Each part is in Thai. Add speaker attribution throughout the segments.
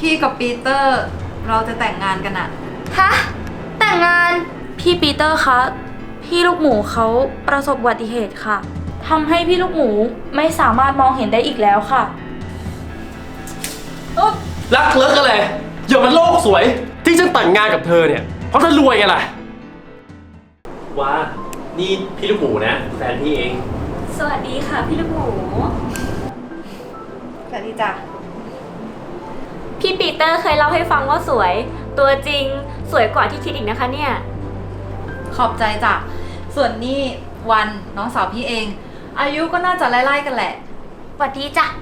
Speaker 1: พี่กับปีเตอร์เราจะแต่งงานกันอะ
Speaker 2: ฮะ แต่งงาน
Speaker 3: พี่ปีเตอร์คะ พี่ลูกหมูเขาประสบอุบัติเหตุค่ะทำให้พี่ลูกหมูไม่สามารถมองเห็นได้อีกแล้วค่ะ
Speaker 4: รักเลิกอะไรอย่ามันโลกสวย ที่ฉันแต่งงานกับเธอเนี่ย เพราะเธอรวยไงล่ะว้านี่พี่ลูกหมูนะแฟนพี่เอง
Speaker 3: สวัสดีค่ะพี่ลูกหมู
Speaker 1: สวัสดีจ้ะ
Speaker 3: พี่ปีเตอร์เคยเล่าให้ฟังว่าสวย ตัวจริงสวยกว่าที่คิดอีกนะคะเนี่ย
Speaker 1: ขอบใจจ้ะส่วนนี่วันน้องสาวพี่เอง อายุก็น่าจะไล่ๆกันแหละ
Speaker 2: สวัสดีจ้ะ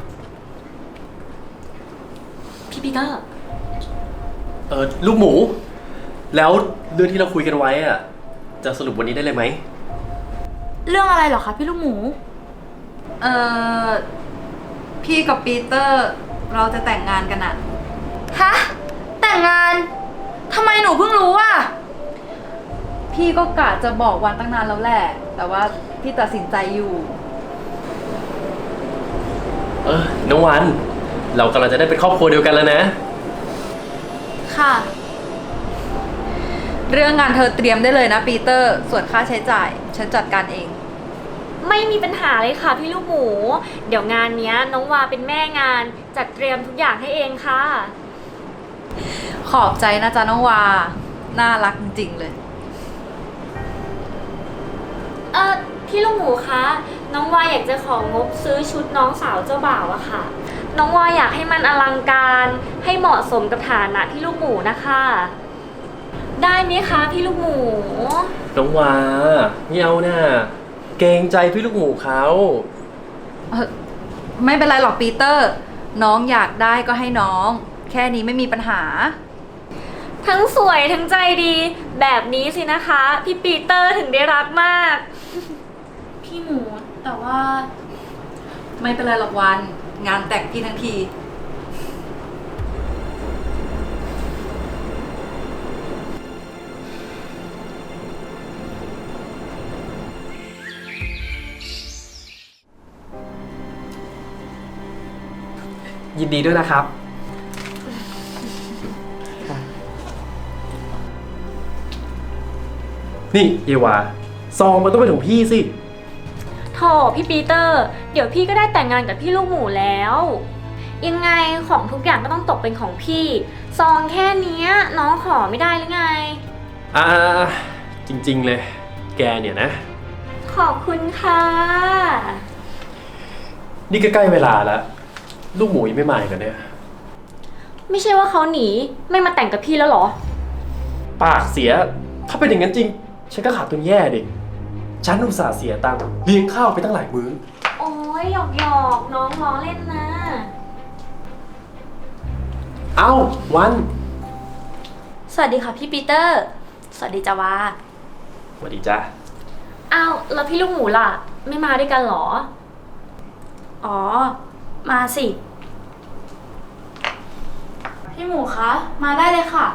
Speaker 3: พี่ปีเตอร์
Speaker 4: ลูกหมู แล้วเรื่องที่เราคุยกันไว้อะจะสรุปวันนี้ได้เลยไหม
Speaker 3: เรื่องอะไรเหรอคะพี่ลูกหมู
Speaker 1: เออพี่กับปีเตอร์เราจะแต่งงานกันอะ
Speaker 2: ฮะ แต่งงาน ทำไมหนูเพิ่งรู้อ่ะ
Speaker 1: พี่ก็กะจะบอกวันตั้งนานแล้วแหละ แต่ว่าพี่ตัดสินใจอยู่
Speaker 4: น้องวัน เรากำลังจะได้เป็นครอบครัวเดียวกันแล้วนะ
Speaker 3: ค่ะ
Speaker 1: เรื่องงานเธอเตรียมได้เลยนะปีเตอร์ส่วนค่าใช้จ่ายฉันจัดการเอง
Speaker 3: ไม่มีปัญหาเลยค่ะพี่ลูกหมู เดี๋ยวงานเนี้ยน้องวาเป็นแม่งานจัดเตรียมทุกอย่างให้เองค่ะ
Speaker 1: ขอบใจนะจ๊ะน้องวา น่ารักจริงๆเลย
Speaker 3: พี่ลูกหมูคะ น้องวาอยากจะของบซื้อชุดน้องสาวเจ้าบ่าวอะค่ะ น้องวาอยากให้มันอลังการให้เหมาะสมกับฐานะพี่ลูกหมูนะคะ ได้ไหมคะพี่ลูกหมู
Speaker 4: น้องวาไม่เอาน่ะเกรงใจพี่ลูกหมูเขา
Speaker 1: ไม่เป็นไรหรอกปีเตอร์ น้องอยากได้ก็ให้น้อง แค่นี้ไม่มีปัญหา
Speaker 3: ทั้งสวยทั้งใจดี แบบนี้สินะคะ พี่ปีเตอร์ถึงได้รักมาก พี่หมูแต่ว่า
Speaker 1: ไม่เป็นไรหรอกวัน งานแต่งพี่ทั้งที
Speaker 5: ยินดีด้วยนะครับ
Speaker 4: นี่เยวาซองมันต้องเป็นของพี่สิ
Speaker 3: โถพี่ปีเตอร์ เดี๋ยวพี่ก็ได้แต่งงานกับพี่ลูกหมูแล้ว ยังไงของทุกอย่างก็ต้องตกเป็นของพี่ ซองแค่เนี้ยน้องขอไม่ได้หรือไง
Speaker 4: อ่าจริงๆเลย แกเนี่ยนะ
Speaker 3: ขอบคุณค่ะ
Speaker 4: นี่ก็ใกล้เวลาแล้ว ลูกหมูยังไม่มาอีกเหรอเนี่ย
Speaker 3: ไม่ใช่ว่าเขาหนีไม่มาแต่งกับพี่แล้วเหรอ
Speaker 4: ปากเสีย ถ้าเป็นอย่างนั้นจริง ฉันก็ขาดทุนแย่ดิ ฉันอุตส่าห์เสียตังค์เลี้ยงข้าวไปตั้งหลายมื้อ
Speaker 3: โอ้ยหยอกน้องล้อเล่นนะ
Speaker 4: เอ้าวัน
Speaker 3: สวัสดีค่ะพี่ปีเตอร์ สวัสดีจ้าวา
Speaker 4: สวัสดีจ้า
Speaker 3: อ้าวแล้วพี่ลูกหมูล่ะ ไม่มาด้วยกันเหรอ อ๋อ มาสิ พี่หมูคะ มาได้เลยค่ะ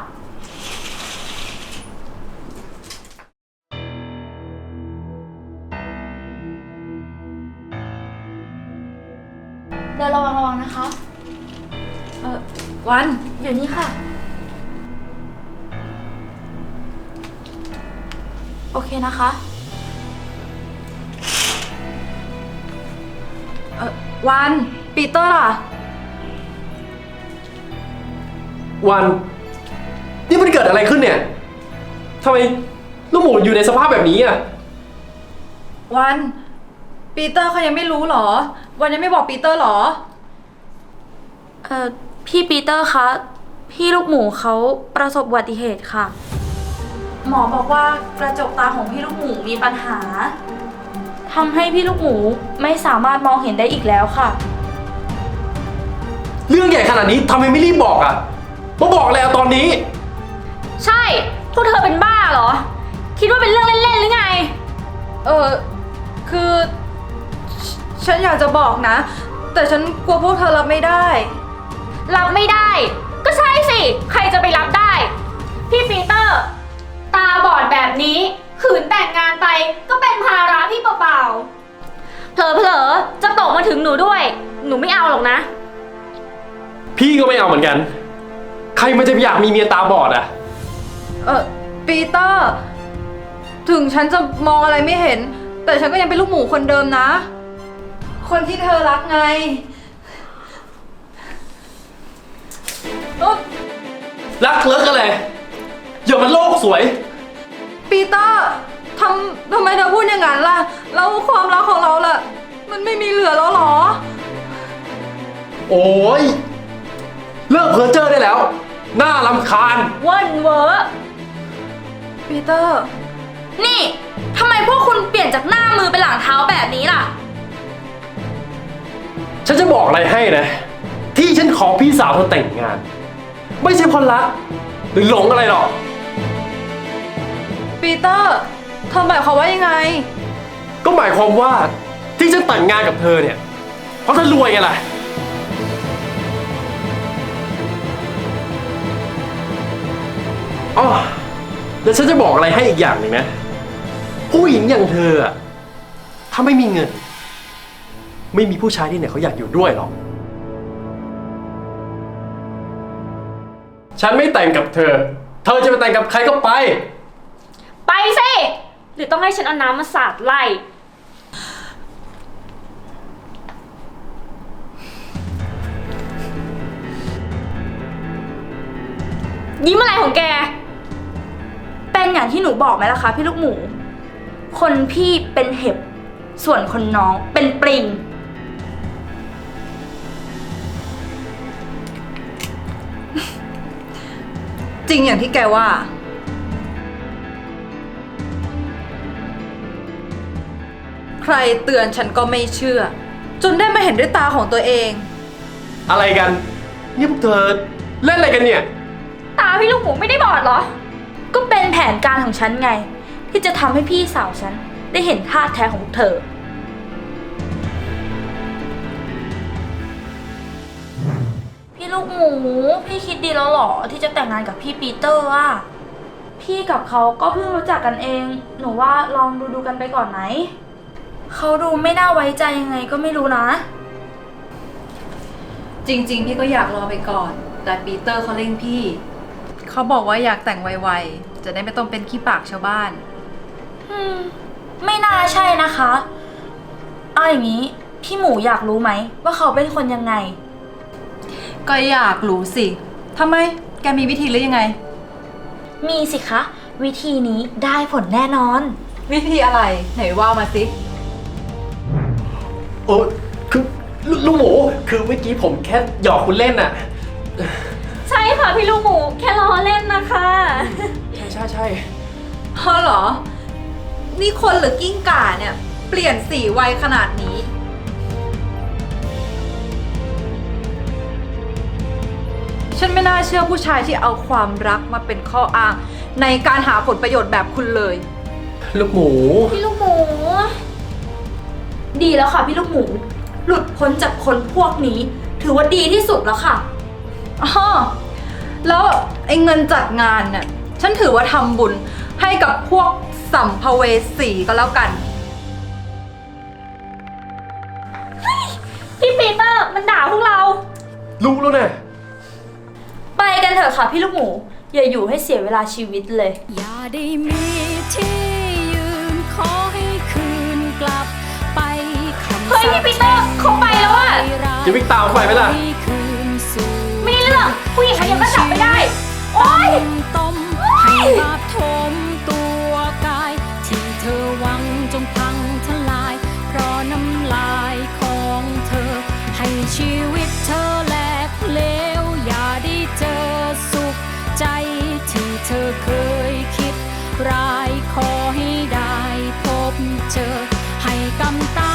Speaker 3: เดินระวังนะคะ
Speaker 1: วัน
Speaker 3: อยู่นี่ค่ะ โอเคนะคะ
Speaker 1: วันปีเตอร์ล่ะ
Speaker 4: วัน นี่มันเกิดอะไรขึ้นเนี่ยทำไมลูกหมูอยู่ในสภาพแบบนี้อ่ะ
Speaker 1: วันปีเตอร์เขายังไม่รู้เหรอ วันยังไม่บอกปีเตอร์เหรอ
Speaker 3: พี่ปีเตอร์คะ พี่ลูกหมูเขาประสบอุบัติเหตุค่ะ หมอบอกว่ากระจกตาของพี่ลูกหมูมีปัญหาทำให้พี่ลูกหมูไม่สามารถมองเห็นได้อีกแล้วค่ะ
Speaker 4: เรื่องใหญ่ขนาดนี้ทำไมไม่รีบบอกอ่ะมาบอกแล้วตอนนี้
Speaker 3: ใช่ พวกเธอเป็นบ้าเหรอ คิดว่าเป็นเรื่องเล่นๆหรือไง
Speaker 1: คือฉันอยากจะบอกนะ แต่ฉันกลัวพวกเธอรับไม่ได้
Speaker 3: รับไม่ได้ ก็ใช่สิ ใครจะไปรับได้ พี่ปีเตอร์ ตาบอดแบบนี้ขืนแต่งงานไปก็เป็นภาระพี่เปล่าๆเผลอๆจะตกมาถึงหนูด้วย หนูไม่เอาหรอกนะ
Speaker 4: พี่ก็ไม่เอาเหมือนกันใครมันจะอยากมีเมียตาบอดอะ
Speaker 1: ปีเตอร์ ถึงฉันจะมองอะไรไม่เห็น แต่ฉันก็ยังเป็นลูกหมูคนเดิมนะ คนที่เธอรักไงอุ๊ย
Speaker 4: รักเลิกอะไรอย่ามันโลกสวย
Speaker 1: ปีเตอร์ทำไมเธอพูดอย่างนั้นล่ะ แล้วความรักของเราล่ะ มันไม่มีเหลือแล้วเหรอ
Speaker 4: โอ้ยเลิกเพ้อเจ้อได้แล้ว น่ารำคาญ
Speaker 3: เว่นเวอร์
Speaker 1: ปีเตอร์
Speaker 2: นี่ทำไมพวกคุณเปลี่ยนจากหน้ามือเป็นหลังเท้าแบบนี้ล่ะ
Speaker 4: ฉันจะบอกอะไรให้นะ ที่ฉันขอพี่สาวเธอแต่งงาน ไม่ใช่เพราะรักหรือหลงอะไรหรอก
Speaker 1: ปีเตอร์เธอหมายความว่ายังไง
Speaker 4: ก็หมายความว่าที่ฉันแต่งงานกับเธอเนี่ย เพราะเธอรวยไงล่ะอ๋อแล้วฉันจะบอกอะไรให้อีกอย่างหนึ่งนะ ผู้หญิงอย่างเธออะถ้าไม่มีเงิน ไม่มีผู้ชายที่ไหนเขาอยากอยู่ด้วยหรอก ฉันไม่แต่งกับเธอ เธอจะไปแต่งกับใครก็ไป
Speaker 3: ไปสิหรือต้องให้ฉันเอาน้ำมาสาดไล่ยิ้มอะไรของแก
Speaker 2: เป็นอย่างที่หนูบอกไหมล่ะคะพี่ลูกหมู คนพี่เป็นเห็บ ส่วนคนน้องเป็นปลิง
Speaker 1: จริงอย่างที่แกว่า ใครเตือนฉันก็ไม่เชื่อ จนได้มาเห็นด้วยตาของตัวเอง
Speaker 4: อะไรกัน นี่พวกเธอเล่นอะไรกันเนี่ย
Speaker 3: ตาพี่ลูกหมูไม่ได้บอดเหรอ
Speaker 2: ก็เป็นแผนการของฉันไง ที่จะทำให้พี่สาวฉันได้เห็นท่าแท้ของพวกเธอ พี่ลูกหมู พี่คิดดีแล้วเหรอที่จะแต่งงานกับพี่ปีเตอร์อะพี่กับเขาก็เพิ่งรู้จักกันเอง หนูว่าลองดูกันไปก่อนไหม เขาดูไม่น่าไว้ใจยังไงก็ไม่รู้นะ
Speaker 1: จริงๆ พี่ก็อยากรอไปก่อน แต่ปีเตอร์เขาเร่งพี่ เขาบอกว่าอยากแต่งไวๆ จะได้ไม่ต้องเป็นขี้ปากชาวบ้าน
Speaker 2: ไม่น่าใช่นะคะเอาอย่างนี้พี่หมูอยากรู้ไหมว่าเขาเป็นคนยังไง
Speaker 1: ก็อยากรู้สิ ทำไม แกมีวิธีหรือยังไง
Speaker 2: มีสิคะ วิธีนี้ได้ผลแน่นอน
Speaker 1: วิธีอะไร ไหนว่ามาสิ
Speaker 4: โอ้คือลูกหมู คือเมื่อกี้ผมแค่หยอกคุณเล่นน่ะ
Speaker 3: ใช่ค่ะพี่ลูกหมูแค่ล้อเล่นนะคะ
Speaker 4: ใช่
Speaker 1: เพราะเหรอ นี่คนหรือกิ้งก่าเนี่ย เปลี่ยนสีไวขนาดนี้ ฉันไม่น่าเชื่อผู้ชายที่เอาความรักมาเป็นข้ออ้าง ในการหาผลประโยชน์แบบคุณเลย
Speaker 4: ลูกหมู
Speaker 2: พี่ลูกหมู ดีแล้วค่ะพี่ลูกหมู หลุดพ้นจากคนพวกนี้ ถือว่าดีที่สุดแล้วค่ะ
Speaker 1: อ๋อ แล้วไอ้เงินจัดงานเนี่ย ฉันถือว่าทำบุญให้กับพวกสัมภเวสีก็แล้วกัน
Speaker 3: พี่ปีเตอร์มันด่าพวกเรา
Speaker 4: รู้แล้วนะ
Speaker 2: ไปกันเถอะค่ะพี่ลูกหมู อย่าอยู่ให้เสียเวลาชีวิตเลย
Speaker 6: อย่าได้มีที่ยืนขอให้คืนกลับไปคำ
Speaker 3: เฮ้ยพี่ปีเตอร์เขาไปแล้วอะ
Speaker 4: จะวิ่งตามไปไหมล่ะ
Speaker 6: ให้คืนสู่
Speaker 3: ไม่ได้เรื่องผู้หญิงคนเดียวก็จับไม่ได้ โอ๊ย
Speaker 6: ต้มให้บาปทมตัวกาย ที่เธอหวังจงพังทลาย เพราะน้ำลายของเธอ ให้ชีวิตเธอแหลกเหลว อย่าได้เจอสุขใจที่เธอเคยคิดร้ายขอให้ได้พบเจอ ให้กำตา